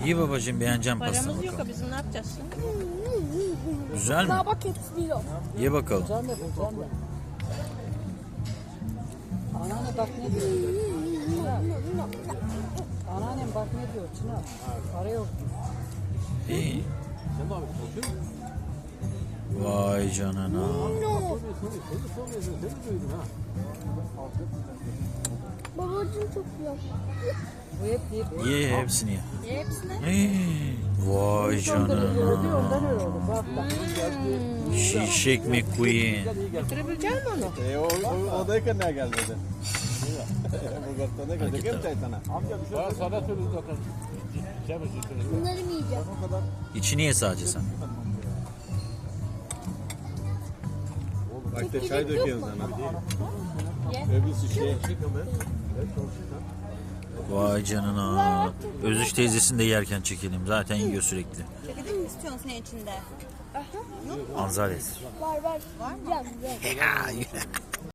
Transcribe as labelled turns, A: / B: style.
A: İyi babacığım, beğeneceğim pastanı
B: Paramız yok
A: bakalım.
B: bizim, ne yapacağız şimdi?
A: Güzel mi?
C: Daha bak hepsi yok.
A: Ye bakalım.
D: Sen de bu, sen de. Anneanne bak ne diyor. Çınar. Anneannem bak ne diyor Çınar. Para yok.
A: İyi. Vay canına.
C: Babacığım çok yok.
D: Bu hep deyip.
A: Ye hepsini ye.
B: Hepsine.
A: Hey, vay
D: Ondan
A: canına.
D: öyle oldu. Bak bak.
A: Şişek McQueen.
B: Götürebilecek misin onu?
E: Odayken ne gelmedi? Bulgaristan'a gelecek hem çaytana. Amca bir şey sana söylüyoruz zaten.
C: Bunları mı yiyeceğim?
A: İçini ye sadece sen.
E: Bak de çay döküyorsun sana. Öbürsü şey.
A: Vay canına. Özüş teyzesini de yerken çekelim. Zaten yiyor sürekli.
B: Çekelim mi istiyorsun senin içinde?
A: Anzales.
C: Var. Var mı? Yiyeceğim.